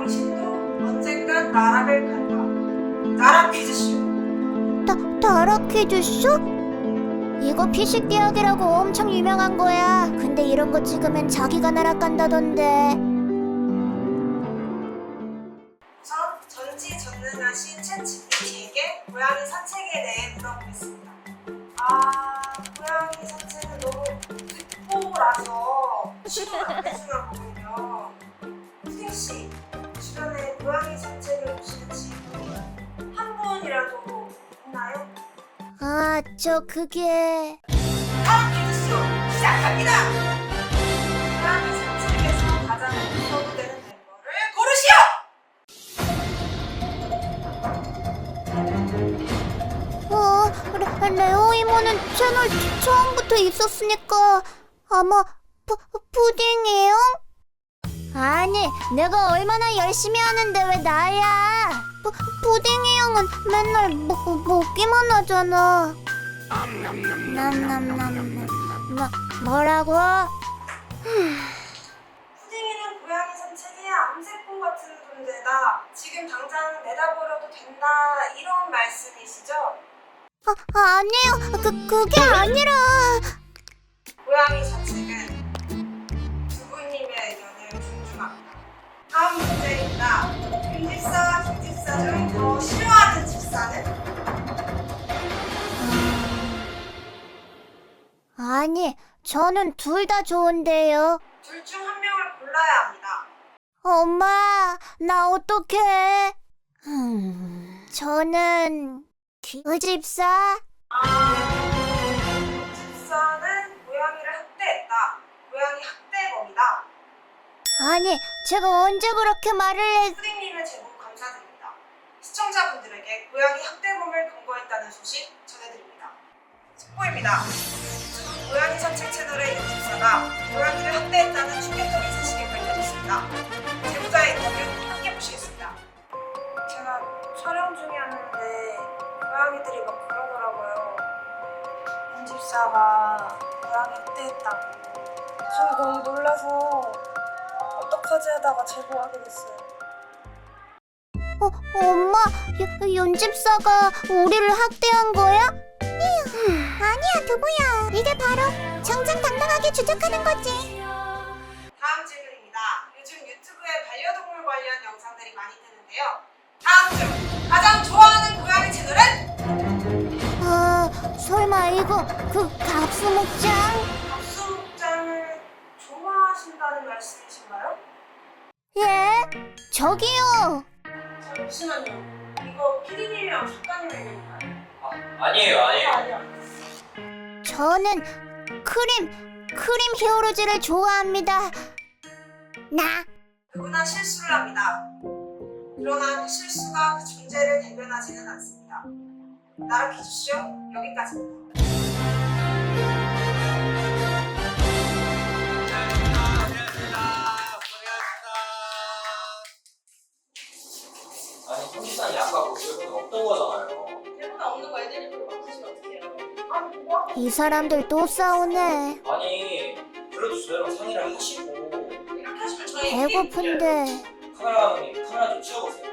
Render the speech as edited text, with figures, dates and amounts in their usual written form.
당신도 언젠간 나락을 간다. 나락 퀴즈쇼. 나락 퀴즈쇼? 이거 피식대학이라고 엄청 유명한 거야. 근데 이런 거 찍으면 자기가 날아간다던데. 우선 전지전능하신 챗GPT에게 고양이 산책에 대해 물어보겠습니다. 고양이 산책은 너무 듣보라서 시도를 안 해주나 보군요. 푸딩씨, 주변에 고양이 산책을 보시는 친구 한 분이라도 있나요? 그게... 다음 퀴즈쇼 시작합니다! 고양이 산책에서 가장 웃어도 되는 멤버를 고르시오! 레오 이모는 채널 처음부터 있었으니까 아마 푸딩이요? 아니, 내가 얼마나 열심히 하는데 왜 나야? 푸딩이 형은 맨날 먹기만 하잖아. 남남남. 뭐라고? 푸딩이는 고양이 산책에 암세포 같은 존재다. 지금 당장 내다버려도 된다. 이런 말씀이시죠? 아니에요. 그게 아니라. 고양이 산책은 부부님의 의견을 존중합니다. 다음 문제입니다. 윤집사와 김집사 중 더 싫어하는 집사는? 아니, 저는 둘 다 좋은데요. 둘 중 한 명을 골라야 합니다. 엄마, 나 어떡해? 저는 김집사. 집사는 고양이를 학대했다. 고양이 학대범이다. 아니, 제가 언제 그렇게 말을 해? 푸딩님의 제보 감사드립니다. 시청자분들에게 고양이 학대범을 검거했다는 소식 전해드립니다. 속보입니다. 지금 고양이 산책 채널의 윤집사가 고양이를 학대했다는 충격적인 사실이 밝혀졌습니다. 제보자의 인터뷰 함께 보시겠습니다. 제가 촬영 중이었는데 고양이들이 막 그러더라고요. 윤집사가 고양이 학대했다고. 저는 너무 놀라서 어떡하지 하다가 제보하게 됐어요. 엄마, 윤집사가 우리를 학대한 거야? 아니야, 두부야. 이게 바로 정정당당하게 주장하는 거지. 다음 질문입니다. 요즘 유튜브에 반려동물 관련 영상들이 많이 뜨는데요. 다음 중 가장 좋아하는 고양이 채널은? 설마 이거 갑수목장? 박수목장을 좋아하신다는 말씀이신가요? 예? 저기요. 잠시만요. 이거 피디님이랑 작가님의 얘기인가요? 아니에요. 저는 크림 히어로즈를 좋아합니다. 나. 누구나 실수를 합니다. 그러나 그 실수가 그 존재를 대변하지는 않습니다. 나라 퀴즈쇼 여기까지입니다. 아니 성지산이 아까 그 질문은 없던 거잖아요. 대본 없는 거 애들이 보고 맞추시면 어떡해요? 이 사람들 또 싸우네. 아니 그래도 저희랑 상의를 하시고 이렇게 하시면 저희 배고픈데. 카메라 감독님 카메라 좀 치워보세요.